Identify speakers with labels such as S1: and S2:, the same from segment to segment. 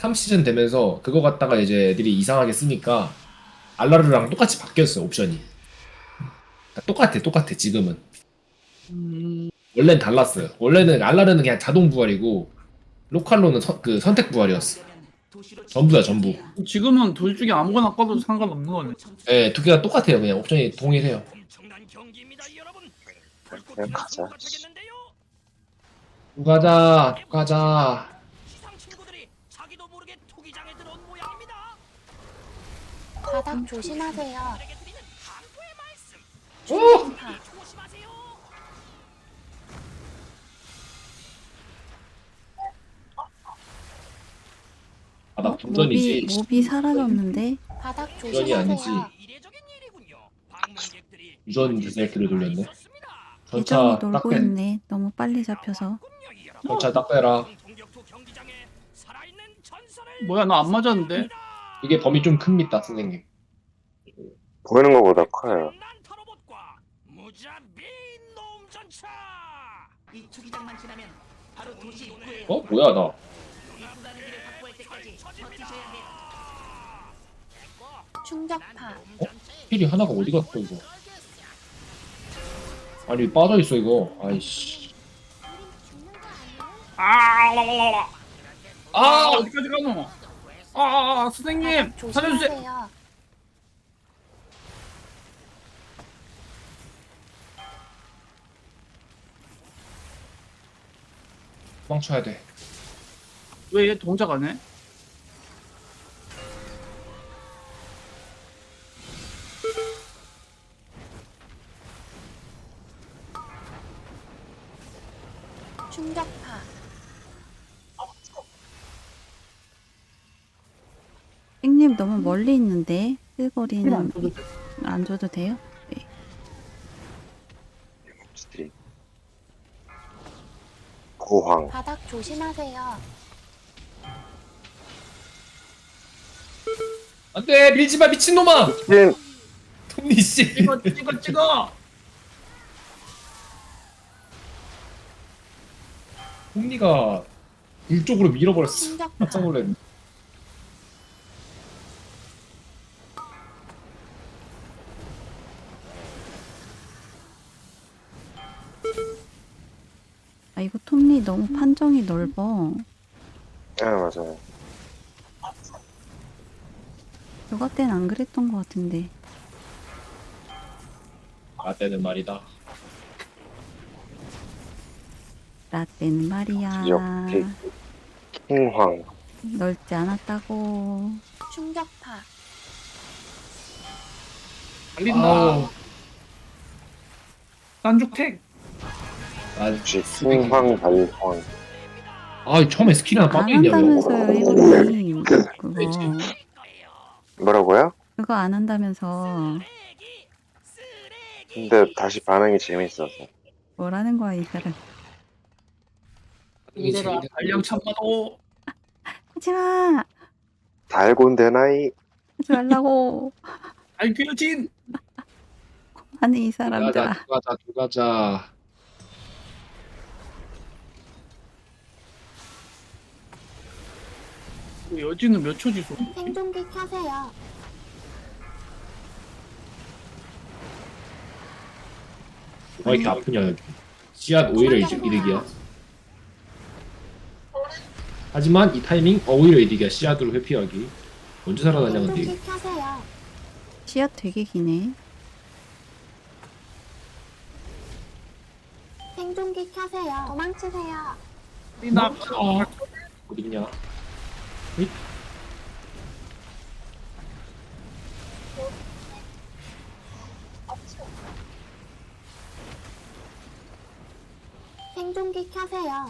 S1: 3시즌 되면서 그거 갖다가 이제 애들이 이상하게 쓰니까 알라르랑 똑같이 바뀌었어요, 옵션이. 똑같아, 지금은.
S2: 음,
S1: 원래는 달랐어요. 원래는 알라르는 그냥 자동 부활이고, 로칼로는 그 선택 부활이었어. 전부야, 전부.
S2: 지금은 둘 중에 아무거나 꺼도 상관없는 거네.
S1: 예, 두 개가 똑같아요. 그냥 옵션이 동일해요.
S3: 그냥 가자.
S1: 두 가자, 두 가자.
S4: 바닥 조심하세요.
S1: 오!
S4: 충격파.
S1: 아, 나 동전이지.
S5: 몹이 사라졌는데?
S4: 바닥
S1: 유전이 아니지.
S4: 조심하세요.
S1: 유전 기세기를 돌렸네.
S5: 예정이
S1: 전차 딱
S5: 놀고
S1: 빼.
S5: 있네. 너무 빨리 잡혀서.
S1: 전차 딱 빼라.
S2: 뭐야, 나 안 맞았는데?
S1: 이게 범위 좀 큽니다, 선생님.
S3: 보이는 것보다 커요.
S1: 어? 뭐야, 나.
S4: 충격파.
S1: 필이 하나가 어디 갔어, 이거. 아니, 빠져있어, 이거. 아이씨.
S2: 아,
S1: 아!
S2: 어디까지 가노? 선생님,
S4: 바닥
S2: 살려주세요.
S4: 조심하세요.
S1: 도망쳐야 돼.
S2: 왜 얘 동작 안 해?
S4: 충격파.
S5: 땡님 너무 멀리 있는데?
S2: 힐안
S5: 쓸거리는
S2: 줘도 돼.
S5: 안 줘도 돼요? 네.
S3: 스트릿. 고황.
S4: 바닥 조심하세요.
S1: 안 돼! 밀지 마, 미친놈아!
S3: 찐!
S1: 톱니 씨.
S2: 찍어!
S1: 톱니가 일쪽으로 밀어버렸어.
S4: 충격파.
S1: 깜짝 놀랐네.
S5: 아, 이거 톱니 너무 판정이 넓어.
S3: 아, 맞아요.
S5: 저거 때는 안 그랬던 것 같은데.
S1: 라떼는 말이다.
S5: 라떼는 말이야.
S3: 역시. 킹황.
S5: 넓지 않았다고.
S4: 충격파.
S2: 달린다.
S1: 아우.
S2: 딴죽택.
S1: 아,
S3: 역시 킹황 달황.
S1: 아, 처음에 스킬 하나
S5: 안
S1: 빠져있냐고.
S5: 한다면서요, 일본이. 그거.
S3: 뭐라고요?
S5: 그거 안 한다면서.
S3: 근데 다시 반응이 재밌어서.
S5: 뭐라는 거야, 이 사람.
S2: 이래라, 알량 참마도.
S5: 하지마!
S3: 달곤 되나이?
S5: 하지 말라고.
S2: 알귀어진.
S5: 아니, 이
S1: 두 가자,
S5: 사람들아.
S1: 두 가자, 두 가자.
S2: 여진은 몇 초 지속?
S4: 생존기 켜세요.
S1: 왜 이렇게 아프냐, 여기. 씨앗 오히려 이득이야. 하지만 이 타이밍 오히려 이득이야. 씨앗으로 회피하기. 언제 살아나냐, 근데. 이거.
S4: 생존기 켜세요.
S5: 씨앗 되게 기네.
S4: 생존기 켜세요. 도망치세요.
S2: 나
S1: 어딨냐?
S4: 생존기 켜세요.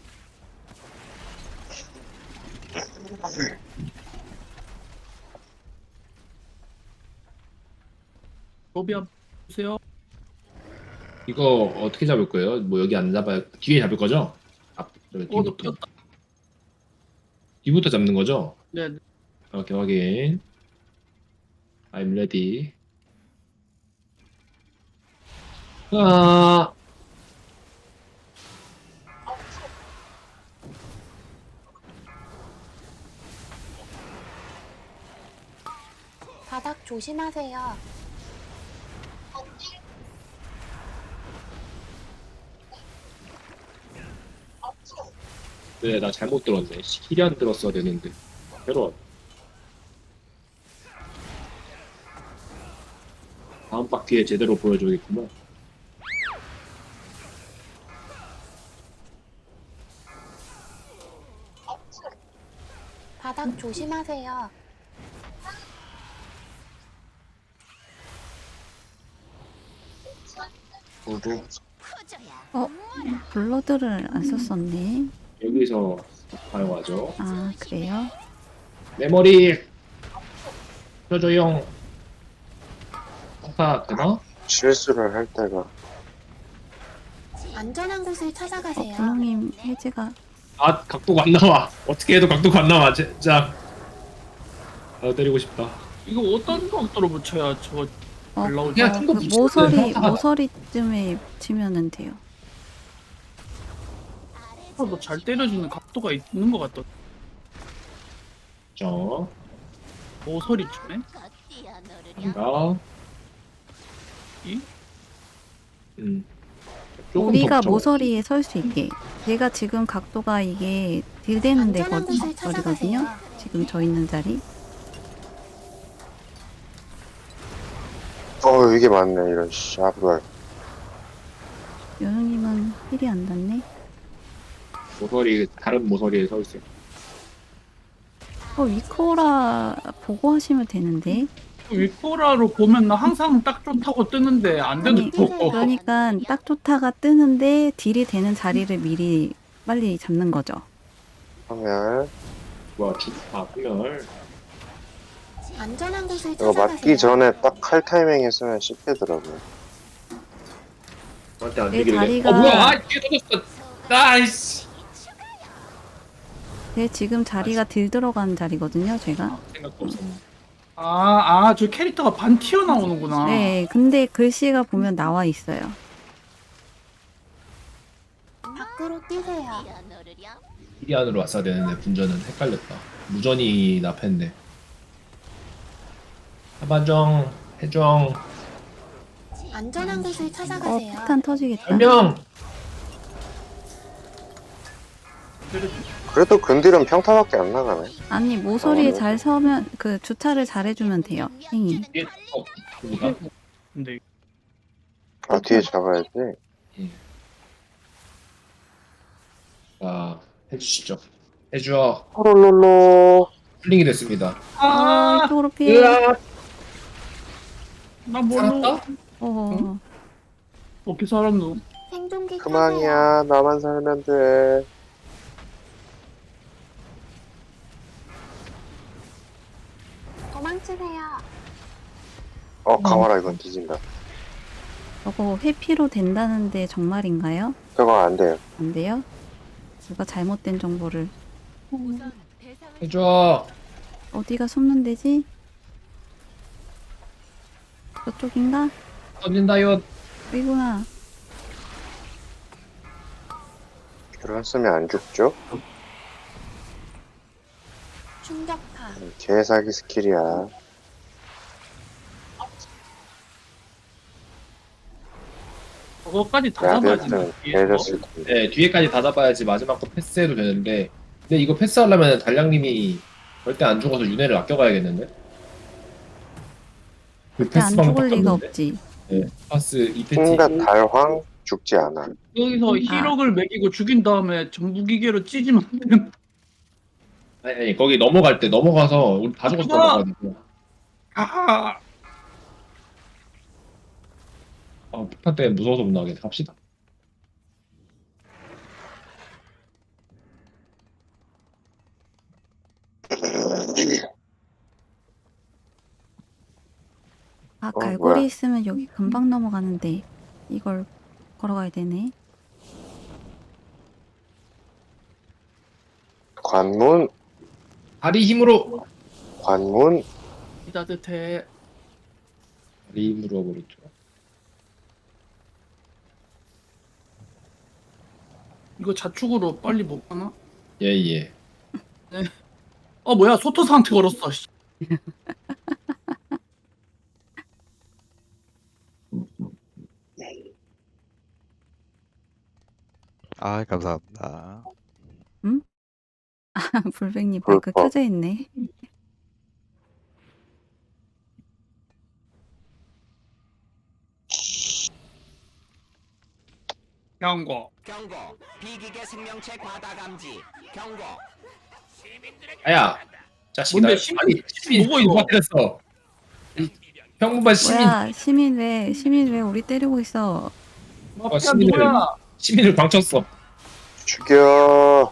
S2: 로비안 보세요.
S1: 이거 어떻게 잡을 거예요? 뭐 여기 안 잡아요? 뒤에 잡을 거죠?
S2: 너
S1: 뒤부터.
S2: 뛰었다.
S1: 뒤부터 잡는 거죠?
S2: 네.
S1: 오케이, 확인. I'm ready. 아,
S4: 바닥 조심하세요.
S1: 네, 나 잘못 들었네. 힐이 들었어야 되는데. 새로워. 다음 바퀴에 제대로 보여줘야겠구만.
S4: 바닥 조심하세요.
S3: 우두.
S5: 블러드를 안 썼었네.
S1: 여기서 사용하죠.
S5: 아, 그래요?
S1: 내 머리! 펴줘용. 평타 되나?
S3: 실수를 할 때가
S4: 안전한 곳을 찾아가세요.
S5: 분홍님 해제가
S1: 아, 각도가 안 나와. 어떻게 해도 각도가 안 나와, 진짜. 아, 때리고 싶다.
S2: 이거 어떤 각도로 붙여야 저거 잘 나오지?
S1: 그냥 큰거
S5: 그
S1: 붙이면
S5: 모서리쯤에 붙이면 돼요.
S2: 더잘 때려주는 각도가 있는 것 같다.
S1: 저,
S2: 모서리쯤에?
S1: 가
S2: 이?
S1: 조금
S5: 우리가
S1: 덥죠.
S5: 모서리에 설 수 있게. 제가 지금 각도가 이게 딜되는 데
S4: 안전한 곳을
S5: 거리거든요.
S4: 찾아가세요.
S5: 지금 저 있는 자리.
S3: 이게 맞네. 이런 샤브랄.
S5: 연우님은 힐이 안 닿네.
S1: 모서리, 다른 모서리에 서 있어요.
S5: 위코라 보고 하시면 되는데.
S2: 위코라로 보면 나 항상 딱 좋다고 뜨는데 안 되는 거.
S5: 그러니까 딱 좋다가 뜨는데 딜이 되는 자리를 미리 빨리 잡는 거죠.
S3: 하면
S1: 와, 분열.
S4: 안전한 곳을
S3: 이거
S4: 찾아가세요.
S3: 맞기 전에 딱 칼 타이밍 했으면 씹히더라고요.
S1: 저한테 안
S5: 내
S1: 되길래.
S5: 다리가-
S1: 뭐야, 아, 뒤에 터졌어. 나이스.
S5: 지금 자리가 딜 들어가는 자리거든요, 제가.
S1: 생각도 없었네.
S2: 저 캐릭터가 반 튀어나오는구나.
S5: 네, 근데 글씨가 보면 나와 있어요.
S4: 밖으로 뛰세요.
S1: 힐이 안으로 왔어야 되는데, 분전은 헷갈렸다. 무전이 납했네. 하반정, 해정,
S4: 안전한 곳을 찾아가세요.
S5: 폭탄 터지겠다.
S1: 설명!
S3: 그래도 근딜은 평타밖에 안 나가네.
S5: 아니, 모서리에 잘 서면, 주차를 잘 해주면 돼요, 행이.
S1: 뒤에, 누가?
S2: 근데
S3: 아, 뒤에 잡아야지.
S1: 아, 해주시죠. 해줘.
S3: 호롤롤로.
S1: 풀링이 됐습니다.
S5: 이쪽으로 피해.
S2: 나 뭘로
S1: 살았다?
S2: 어떻게 살았노?
S4: 생존기 켜세요.
S3: 그만이야. 나만 살면 돼.
S4: 도망치세요.
S3: 강화라 이건 뒤진다.
S5: 저거 회피로 된다는데 정말인가요?
S3: 그거 안 돼요.
S5: 안 돼요? 누가 잘못된 정보를.
S1: 해줘.
S5: 어디가 숨는 데지? 저쪽인가?
S1: 던진다요.
S5: 여기구나.
S3: 그랬으면 안 죽죠?
S4: 충격파.
S3: 개사기 스킬이야.
S2: 저거까지 다 잡아야지.
S3: 야비였으면
S2: 뒤에서.
S3: 개졌을 텐데.
S1: 네, 뒤에까지 다 잡아야지 마지막 거 패스해도 되는데. 근데 이거 패스하려면 달량님이 절대 안 죽어서 윤회를 아껴가야겠는데? 그
S5: 절대 안
S1: 패스
S5: 죽을
S1: 방법밖에
S5: 리가
S1: 없는데?
S5: 없지.
S1: 네, 파스 2패치.
S3: 순간 달황 죽지 않아.
S2: 여기서 힐억을 매기고 죽인 다음에 전부 기계로 찢으면 안 되는.
S1: 아니, 거기 넘어갈 때 넘어가서 우리 다 죽어서
S2: 죽어!
S1: 넘어가가지고.
S2: 아,
S1: 폭탄 때문에 무서워서 못 나가게 갑시다.
S5: 갈고리
S3: 뭐야.
S5: 있으면 여기 금방 넘어가는데 이걸 걸어가야 되네.
S3: 관문,
S1: 다리 힘으로.
S3: 관문.
S2: 이 따뜻해.
S1: 다리 힘으로 버렸죠.
S2: 이거 자축으로 빨리 못 가나?
S1: 예.
S2: 뭐야 소토사한테 걸었어. 씨.
S6: 아, 감사합니다.
S5: 불백님 마이크
S3: 불법.
S5: 켜져 있네.
S2: 경고.
S7: 경고. 비기계 생명체 과다 감지. 경고.
S1: 아야 자식이
S2: 뭔데,
S1: 날 아니 시민
S2: 뭐고, 이거?
S1: 이거 평범한 시민
S5: 뭐야 시민 왜 우리 때리고 있어?
S2: 마피아
S1: 시민을-
S2: 누구야?
S1: 시민을 방쳤어.
S3: 죽여.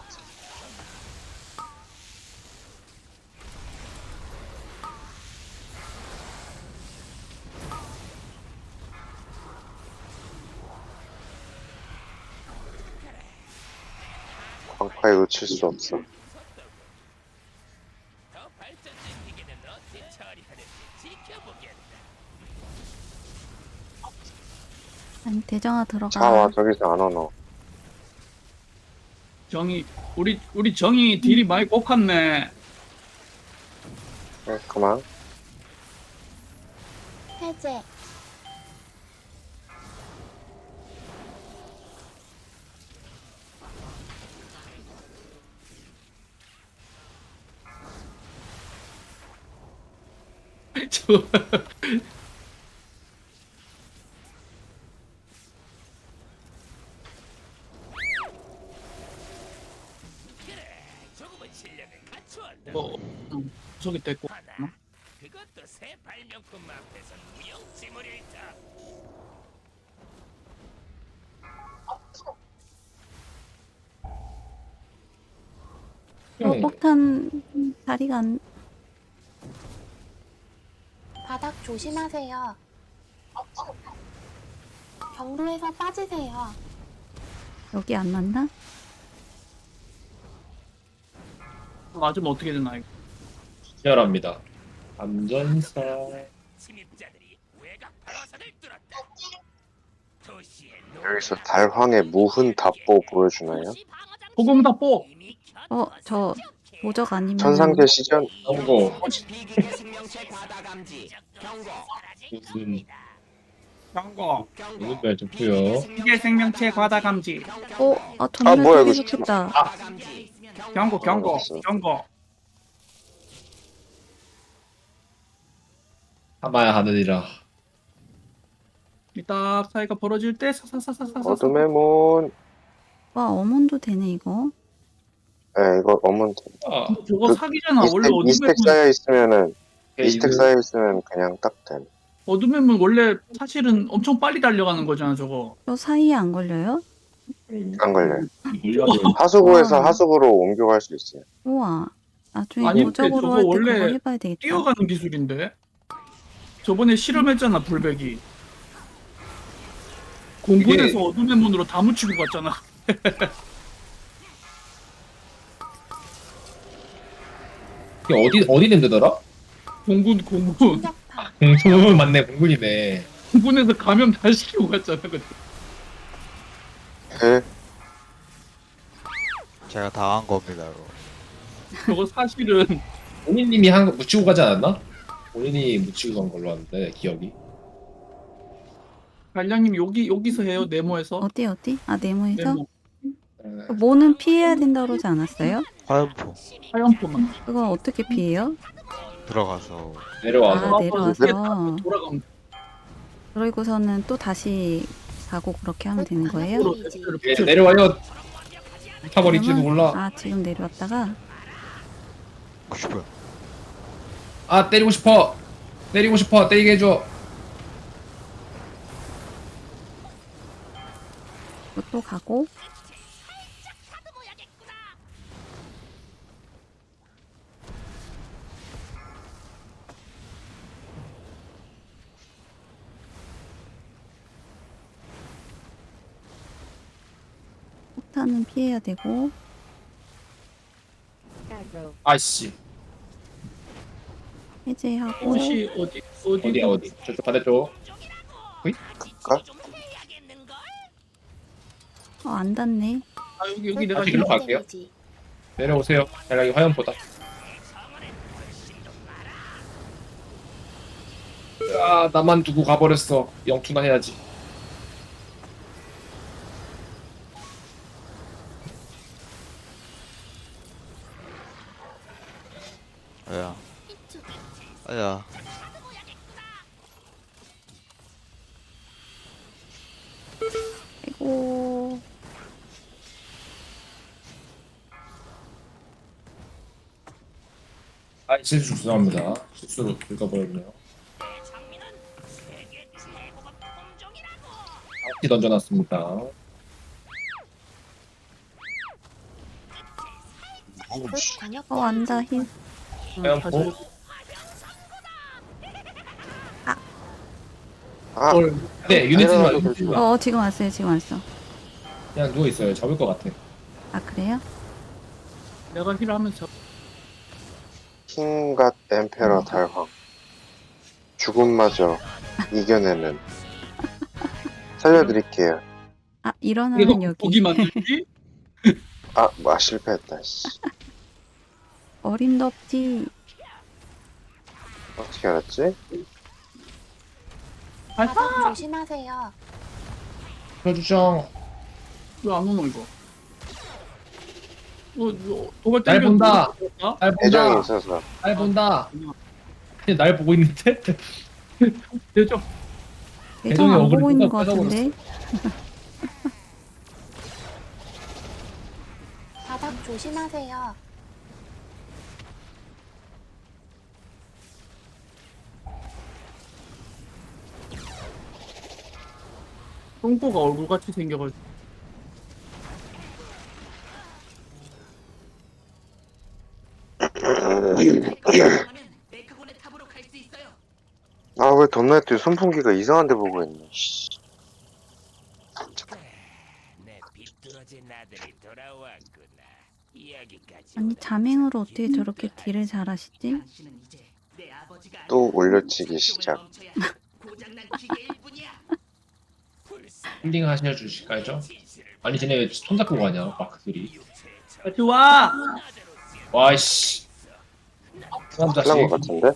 S3: 광파에 놓칠 수 없어.
S5: 아니 대정아 들어가.
S3: 차와 저기서 안 오노.
S2: 정이 우리 정이 딜이 많이 꼽았네.
S3: 네, 그만.
S4: 해제.
S2: 저 저기 됐고.
S7: 그것도 새 발명품 앞에서 무용지물일까.
S5: 폭탄 다리가 안.
S4: 바닥 조심하세요. 경로에서 빠지세요.
S5: 여기 안 맞나?
S2: 맞으면 어떻게 되나 이거.
S1: 기절합니다. 안전사.
S7: 침입자들이 외곽 방어선을 뚫었다. 도시의
S3: 여기서 달황의 무흔 답보 보여주나요?
S2: 소금다뽀.
S5: 저 도적 아니면
S3: 천상제 시전?
S1: 경고.
S7: 비기계 생명체 과다 감지. 경고.
S1: 무슨
S2: 경고.
S1: 무슨 말 좋고요.
S2: 기계 생명체 과다 감지.
S5: 전멸
S3: 뭐야,
S5: 되게
S3: 이거
S5: 좋겠다.
S2: 경고.
S3: 알았어.
S2: 경고.
S1: 참아야 하느니라.
S2: 딱 사이가 벌어질 때 사사사사사.
S3: 어둠의 문.
S5: 와 어몬도 되네 이거.
S3: 네, 이거 어문
S1: 아,
S2: 저거
S3: 그
S2: 사기잖아. 원래
S3: 이스택 쌓여 있으면은
S1: 오케이,
S3: 이스택
S1: 이거-
S3: 쌓여 있으면 그냥 딱 됨.
S2: 어둠의 문 원래 사실은 엄청 빨리 달려가는 거잖아 저거.
S5: 저 사이에 안 걸려요?
S3: 안 걸려요.
S1: 물량을
S3: 하수구에서
S5: 와.
S3: 하수구로 옮겨갈 수 있어요.
S5: 우와. 나중에
S2: 아니,
S5: 도적으로
S2: 저거
S5: 할 때
S2: 원래
S5: 그거 해봐야 되겠다.
S2: 뛰어가는 기술인데. 저번에 실험했잖아 불백이. 공군에서 어둠의 문으로 다 묻히고 갔잖아.
S1: 이게 어디 냄새더라?
S2: 공군
S4: 충격파.
S1: 공군 맞네, 공군이네.
S2: 공군에서 감염 다 시키고 갔잖아. 그때.
S3: 네,
S6: 제가 당한 겁니다. 이거.
S2: 저거 사실은
S1: 본인님이 한 거 묻히고 가지 않았나? 본인이 묻히고 간 걸로 아는데 기억이.
S2: 관장님 여기서 해요 네모에서.
S5: 어디? 아 네모에서?
S2: 네모
S5: 뭐는 피해야 된다고 그러지 않았어요?
S6: 화염포
S2: 화염포만.
S5: 그거 어떻게 피해요?
S6: 들어가서
S1: 내려와서.
S5: 아 내려와서.
S2: 돌아가면
S5: 그러고서는 또 다시 가고 그렇게 하면 되는 거예요?
S1: 예, 내려와요. 타버릴지도
S5: 그러면-
S1: 몰라.
S5: 아 지금 내려왔다가
S6: 그 싶어요.
S1: 아 때리고 싶어. 때리고 싶어. 때리게 해줘.
S5: 또 가고 폭탄은 피해야 되고
S1: 아이씨.
S5: 해제하고
S2: 옷이
S1: 어디? 저쪽 반대쪽.
S3: 갈까?
S5: 안 닿네.
S2: 아 여기 내가
S1: 아직
S2: 지금
S1: 일로 갈게요.
S4: 데미지.
S1: 내려오세요. 대략이 화염보다. 아 나만 두고 가버렸어. 영투나 해야지.
S6: 아야. 아야.
S5: 아이고.
S1: 아, 실수 죄송합니다. 실수로 긁어버렸네요. 바퀴 던져놨습니다.
S4: 굿 광역
S5: 안다 힐.
S1: 그냥
S2: 다시.
S1: 뭐,
S3: 아,
S2: 헐.
S1: 네, 유니트는
S3: 아이고,
S1: 유니트 마.
S5: 지금 왔어요. 지금 왔어.
S1: 그냥 누워 있어요. 잡을 것 같아.
S5: 아 그래요?
S2: 내가 힐하면서
S3: 킹갓 엠페러 달황. 죽음마저 이겨내는. 살려드릴게요.
S5: 아
S2: 이거
S5: 일어나면 여기.
S2: 고기 만들지?
S3: 아, 실패했다. 씨.
S5: 어림도 없지.
S3: 어떻게 알았지?
S4: 바닥 조심하세요.
S1: 펴주정.
S2: 왜 안 오노 이거? 도발
S1: 날
S2: 땡겨.
S1: 본다. 날
S3: 애정이
S1: 본다.
S3: 있어서.
S1: 날 본다. 그냥 날 보고 있는데?
S2: 되죠?
S5: 예정 안
S1: 얼굴이
S5: 보고 있는 것
S1: 끄덕끄덕
S5: 같은데.
S4: 바닥 조심하세요.
S2: 똥꼬가 얼굴같이 생겨가지고.
S3: 아, 왜 덤나이트 선풍기가 이상한 데 보고 있네. 씨.
S7: 내 비뚤어진 아들이 돌아왔구나. 이야기까지.
S5: 아니 자맹으로 어떻게 저렇게 딜을 잘하시지?
S7: 당신은 이제 내 아버지가
S3: 또
S7: 아니고
S3: 올려치기 시작.
S7: 멈춰야 할 고장난 기계일 뿐이야.
S1: 힐링 하셔주실까요? 아니, 쟤네 왜 손잡고 가냐, 마크들이.
S2: 같이 와.
S1: 와이씨. 사람 자식.
S3: 탈란 것 같은데?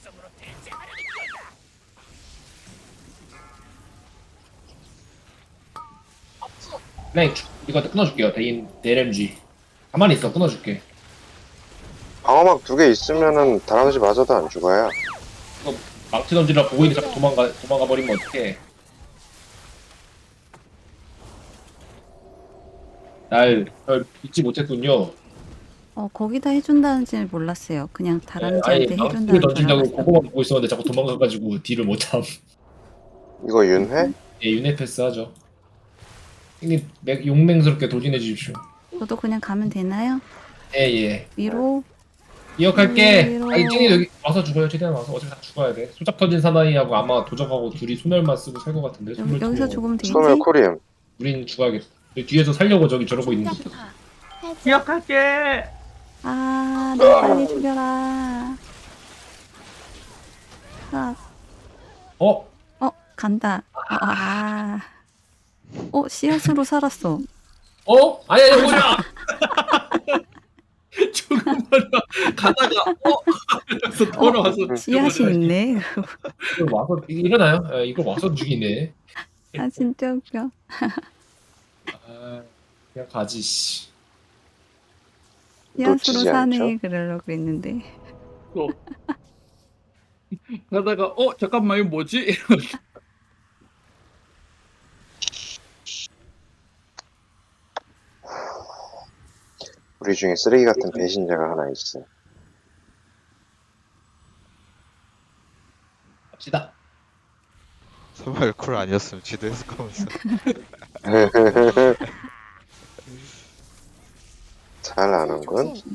S1: 네, 이거 끊어줄게요. DMG. 가만히 있어, 끊어줄게.
S3: 방어막 2개 있으면은 다람쥐 맞아도 안 죽어요.
S1: 이거 망치 던지라 보고 있는데 자꾸 도망가 버리면 어떡해. 날 잊지 못했군요.
S5: 거기다 해준다는지는 몰랐어요. 그냥 다람쥐한테
S1: 아예
S5: 해준다는
S1: 망치를
S5: 줄
S1: 던진다고
S5: 알았어요.
S1: 보고만 보고 있었는데 자꾸 도망가가지고 딜을 못 참.
S3: 이거 윤회?
S1: 예, 윤회 패스 하죠. 형님, 용맹스럽게 도진해 주십시오.
S5: 저도 그냥 가면 되나요?
S1: 예, 예.
S5: 위로.
S1: 기억할게.
S5: 위로.
S1: 아니, 찐이 여기 와서 죽어요. 최대한 와서. 어차피 다 죽어야 돼. 소작 터진 사나이하고 아마 도적하고 둘이 소멸만 쓰고 살 것 같은데.
S5: 여기서 죽으면 되겠지?
S3: 소멸 코리엠.
S1: 우린 죽어야겠다. 여기 뒤에서 살려고 저기 저러고 있는 거.
S4: 충격파. 해제.
S2: 기억할게.
S5: 아, 나 빨리 죽여라. 아,
S1: 어?
S5: 간다. 씨앗으로 살았어.
S1: 어? 아니, 뭐야! 죽음마다 가다가, 하면서 돌아와서.
S5: 씨앗이 있네.
S1: 이걸 와서, 일어나요? 예, 이걸 와서 죽이네.
S5: 아, 진짜 웃겨.
S1: 아, 그냥 가지, 씨.
S5: 씨앗으로
S3: 놓치지
S5: 사네.
S3: 않죠?
S5: 그러려고 했는데.
S2: 또. 가다가 잠깐만 이거 뭐지?
S3: 우리 중에 쓰레기 같은 배신자가 하나 있어.
S1: 갑시다.
S6: 소멸 쿨 아니었으면 지도했을 거면서.
S3: 잘 아는군.
S4: 조심.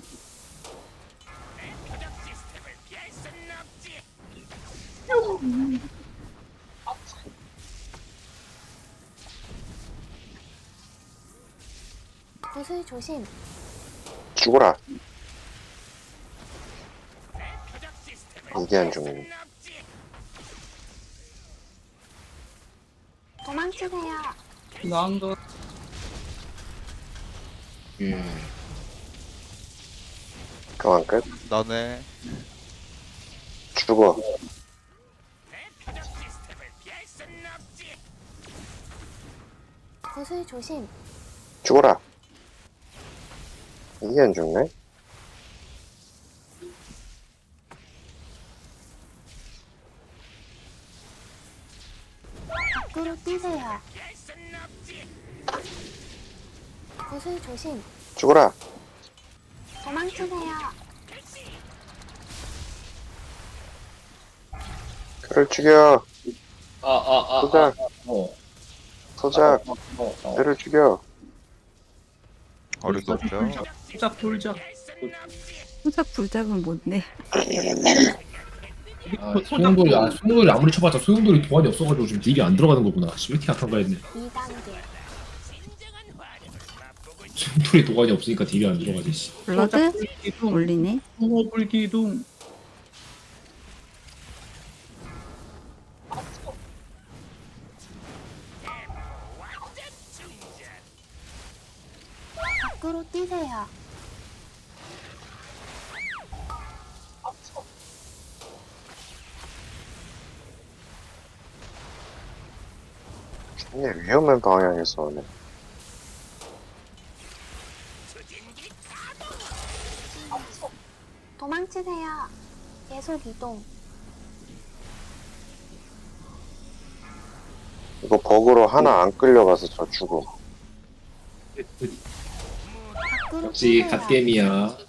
S4: 구슬 조심.
S3: 죽어라. 이게 안 죽네.
S4: 도망치세요.
S2: 나은 거.
S3: 그만 끝.
S6: 너네
S3: 죽어.
S4: 구슬 조심.
S3: 죽어라. 이게 안 죽네?
S4: 밖으로 뛰세요. 구슬 조심.
S3: 죽어라.
S4: 도망치세요.
S3: 그를 죽여. 소작.
S1: 어.
S3: 소작. 그를 죽여.
S6: 어림도 없죠.
S2: 짝 돌자.
S5: 소작 불작은 뭔데?
S1: 소용돌이 아무리 쳐봤자 소용돌이 도안이 없어가지고 지금 딜이 안 들어가는 거구나. 씨, 왜 이렇게 약한가 했네.
S4: 2단계.
S1: 소용돌이 도안이 없으니까 딜이 안 들어가지. 씨.
S5: 블러드
S2: 불기둥.
S5: 올리네.
S2: 붕어 불기둥.
S4: 밖으로 뛰세요.
S3: 굉장히 위험한 방향에서 오네.
S4: 도망치세요. 계속 이동.
S3: 이거 버그로 하나 안 끌려가서 저 죽어.
S4: 밖으로
S1: 역시
S4: 뛰세요.
S1: 갓겜이야.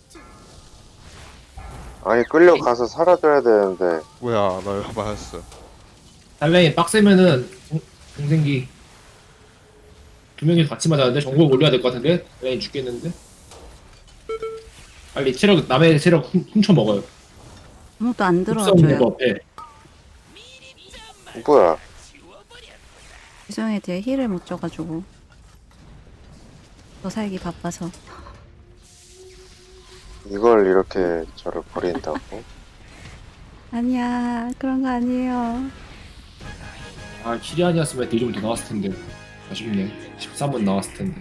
S3: 아니 끌려가서 사라져야 되는데
S6: 뭐야, 나 왜 맞았어.
S1: 달랭이 빡세면은 동생기 두 명이서 같이 맞았는데 정보 올려야 될 것 같은데 달랭이 죽겠는데. 빨리 체력 남의 체력 훔쳐 먹어요.
S5: 아무도 안
S1: 흡수 없는
S5: 들어와줘요.
S1: 법. 예.
S3: 뭐야?
S5: 지성에 대해 힐을 못 줘가지고 더 살기 바빠서.
S3: 이걸 이렇게 저를 버린다고?
S5: 아니야, 그런 거 아니에요.
S1: 아 키리안이었으면 딜 좀 더 나왔을 텐데. 아쉽네. 13분 나왔을 텐데.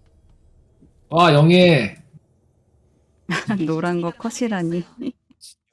S1: 와 영예.
S5: 노란 거 컷이라니.